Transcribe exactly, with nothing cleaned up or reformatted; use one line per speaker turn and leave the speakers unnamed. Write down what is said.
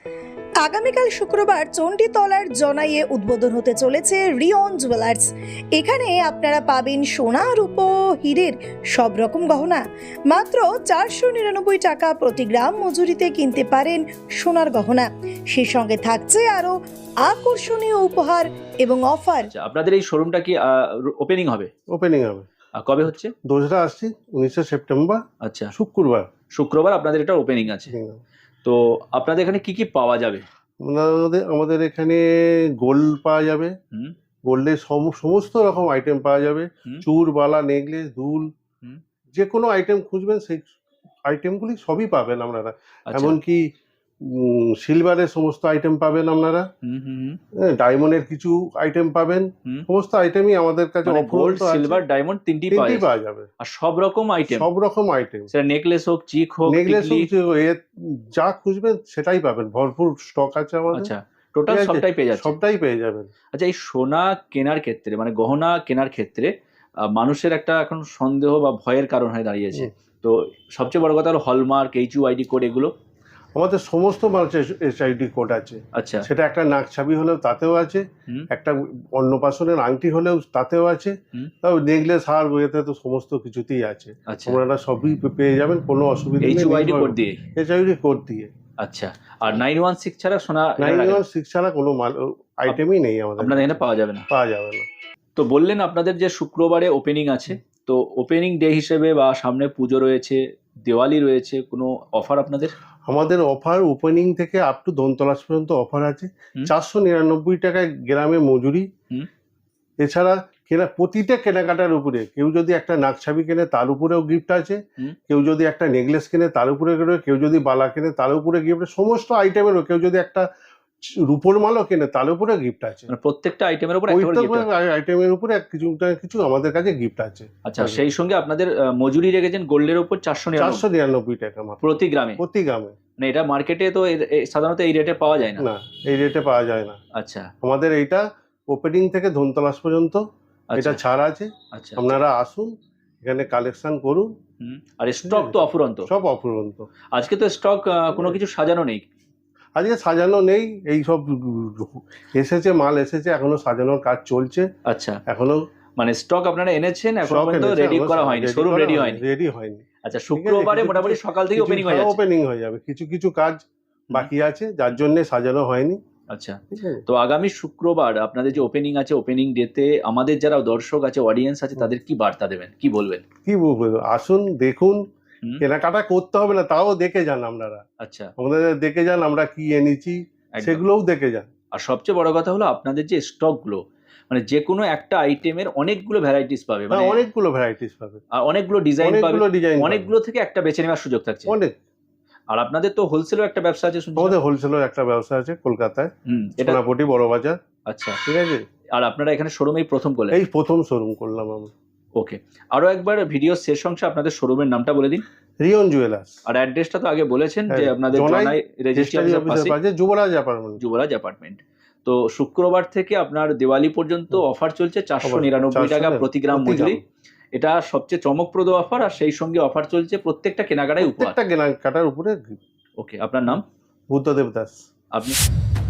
আগামীকাল শুক্রবার চণ্ডীতলার জনাইয়ে উদ্বোধন হতে চলেছে রিয়ন জুয়েলার্স। এখানে আপনারা পাবেন সোনা, রূপো, হীরের সব রকম গহনা মাত্র চারশো নিরানব্বই টাকা প্রতি গ্রাম মজুরিতে কিনতে পারেন সোনার গহনা। সেই সঙ্গে থাকছে আরো আকর্ষণীয় উপহার এবং অফার।
আচ্ছা, আপনাদের এই শোরুমটা কি ওপেনিং হবে?
ওপেনিং হবে।
আর কবে হচ্ছে?
দোসরা আসছি উনিশে সেপ্টেম্বর।
আচ্ছা,
শুক্রবার
শুক্রবার আপনাদের এটা ওপেনিং আছে। তো আপনাদের এখানে কি কি পাওয়া যাবে?
আমাদের আমাদের এখানে গোল্ড পাওয়া যাবে,
হুম
গোল্ডের সমস্ত রকম আইটেম পাওয়া যাবে,
হুম।
চূড়, বালা, নেকলেস, দুল,
হুম।
যে কোনো আইটেম খুঁজবেন সেই আইটেমগুলি সবই পাবেন আপনারা।
আচ্ছা।
এমনকি সিলভারের সমস্ত আইটেম পাবেন আপনারা,
হুম হুম হুম।
ডায়মন্ডের কিছু আইটেম পাবেন,
হুম।
সমস্ত আইটেমই আমাদের কাছে
মানে গোল্ড,
অফুরন্ত আছে।
সিলভার, ডায়মন্ড তিনটি পাওয়া
তিনটি
যাবে।
পাওয়া যাবে
আর সব রকম আইটেম,
সব রকম আইটেম,
সেটা নেকলেস হোক, চিক হোক,
নেকলেস
টিকলি।
যা খুঁজবেন সেটাই পাবেন, ভরপুর স্টক আছে আমাদের।
আচ্ছা, টোটাল সবটাই পেয়ে যাচ্ছে।
সবটাই পেয়ে যাবেন।
আচ্ছা, এই সোনা কেনার ক্ষেত্রে মানে গহনা কেনার ক্ষেত্রে আহ, মানুষের একটা এখন সন্দেহ বা ভয়ের কারণ হয়ে দাঁড়িয়েছে। তো সবচেয়ে বড় কথা হলো হলমার্ক, এইচইউআইডি কোড, এগুলো
আমাদের সমস্ত মানুষের এইচআইডি কোড আছে।
আচ্ছা,
সেটা একটা নাক ছাবি হলেও তাতেও আছে,
হুম
একটা অন্নপ্রাশনের আংটি হলেও তাতেও আছে,
হুম।
তাও নেকলেস, হার, বইতে তো সমস্ত কিছুতেই আছে।
আচ্ছা,
আপনারা সবই পেয়ে যাবেন, কোনো অসুবিধা নেই।
এইচইউআইডি কোড দিয়ে।
এইচআইডি কোড দিয়ে।
আচ্ছা, আর নাইন ওয়ান সিক্স ছাড়া সোনা
নাইন ওয়ান সিক্স ছাড়া কোনো মাল আইটেমই নেই আমাদের।
আপনাদের এখানে পাওয়া যাবে না?
পাওয়া যাবে না।
তো বললেন আপনাদের যে শুক্রবারে ওপেনিং আছে, তো ওপেনিং ডে হিসেবে বা সামনে পুজো রয়েছে, দিওয়ালি রয়েছে, কোনো অফার আপনাদের?
আমাদের অফার ওপেনিং থেকে আপ টু ধনতলাস পর্যন্ত অফার আছে।
হুম।
চারশো নিরানব্বই টাকায় গ্রামে মজুরি।
হুম।
এছাড়া কেনা প্রতিটা কেনাকাটার উপরে কেউ যদি একটা নাকছাবি কেনে তার উপরেও গিফট আছে,
হুম।
কেউ যদি একটা নেকলেস কেনে তার উপরে গিফট, কেউ যদি বালা কেনে তার উপরে গিফট, সমস্ত আইটেমেরও, কেউ যদি একটা রূপোর মালও কেনে তার উপরে গিফট আছে।
মানে প্রত্যেকটা আইটেমের উপর একটা করে gift আছে।
আইটেমের উপরে কিছু কিছু আমাদের কাছে গিফট আছে।
আচ্ছা, সেই সঙ্গে আপনাদের আহ, মজুরি রেখেছেন গোল্ডের উপর চারশো
চারশো নিরানব্বই টাকা মাত্র
প্রতি গ্রামে।
প্রতি গ্রামে।
মানে এটা মার্কেটে তো এ- এ- সাধারণত এই রেটে পাওয়া যায় না।
না, এই রেটে পাওয়া যায় না।
আচ্ছা
আমাদের এইটা ওপেনিং থেকে ধনতলাস পর্যন্ত
আচ্ছা
এটা ছাড় আছে।
আচ্ছা।
আপনারা আসুন, এখানে কালেকশন করুন।
হুম। আর স্টক তো অফুরন্ত।
সব অফুরন্ত।
আজকে তো স্টক কোনো কিছু সাজানো নেই।
আজকে সাজানো নেই, এই সব এসেছে, মাল এসেছে, এখনো সাজানোর কাজ চলছে।
আচ্ছা,
এখনো
মানে স্টক আপনারা এনেছেন, এখন
stock
পর্যন্ত
এনেছে,
রেডি
এখনো
করা হয়নি,
ready
শোরুম
করা
রেডি
হয়নি,
হয়নি।
রেডি হয়নি।
আচ্ছা,
ঠিক আছে,
শুক্রবারে
কিছু
মোটামুটি
কিছু-
সকাল থেকে
কিছু
ওপেনিং হয়ে যাচ্ছে।
ওপেনিং হয়ে যাবে, কিছু কিছু কাজ বাকি আছে যার জন্য সাজানো হয়নি।
আচ্ছা,
ঠিক আছে।
তো আগামী শুক্রবার আপনাদের যে ওপেনিং আছে, ওপেনিং ডেতে আমাদের যারা দর্শক আছে, অডিয়েন্স আছে, তাদের কি বার্তা দেবেন, কি বলবেন?
কি বলবো, আসুন, দেখুন,
হুম।
কেনাকাটা করতে হবে না, তাও দেখে যান আপনারা,
আচ্ছা,
আমাদের দেখে যান আমরা কি এনেছি,
একদম।
সেগুলোও দেখে যান।
আর সবচেয়ে বড় কথা হলো আপনাদের যে স্টকগুলো, মানে যে কোনো একটা আইটেমের অনেকগুলো ভ্যারাইটিস পাবে, মানে
হ্যাঁ, অনেকগুলো ভ্যারাইটিস পাবে,
আর অনেকগুলো ডিজাইন পাবে,
অনেকগুলো ডিজাইন,
অনেকগুলো থেকে একটা বেছে নেওয়ার সুযোগ থাকছে।
অনেক।
আর আপনাদের তো হোলসেলও একটা ব্যবসা আছে শুনছি।
আমাদের হোলসেলের একটা ব্যবসা আছে কলকাতায়,
হুম, এটা
সোনাপটি বড় বাজার।
আচ্ছা,
ঠিক আছে।
আর আপনারা এখানে শোরুমেই প্রথম করলেন?
এই প্রথম শোরুম করলাম আমি।
ওকে, আরো একবার ভিডিও শেষ অংশে আপনাদের শোরুমের নামটা বলে দিন।
রিয়ন জুয়েলার্স।
আর অ্যাড্রেসটা তো আগে বলেছেন যে
হ্যাঁ,
আপনাদের
জনাই
জনাই রেজিস্ট্রি
রেজিস্ট্রি
অফিসের
অফিসের
পাশে
পাশে যুবরাজ অ্যাপার্টমেন্ট।
যুবরাজ অ্যাপার্টমেন্ট। তো শুক্রবার থেকে আপনার দিওয়ালি পর্যন্ত অফার চলছে, চারশো নিরানব্বই টাকা প্রতি গ্রাম মজুরি। এটা সবচেয়ে চমকপ্রদ অফার, আর সেই সঙ্গে অফার চলছে প্রত্যেকটা কেনাকাটায় উপহার।
প্রত্যেকটা কেনাকাটার উপরে।
ওকে, আপনার নাম?
বুদ্ধদেব দাস।
আপনি?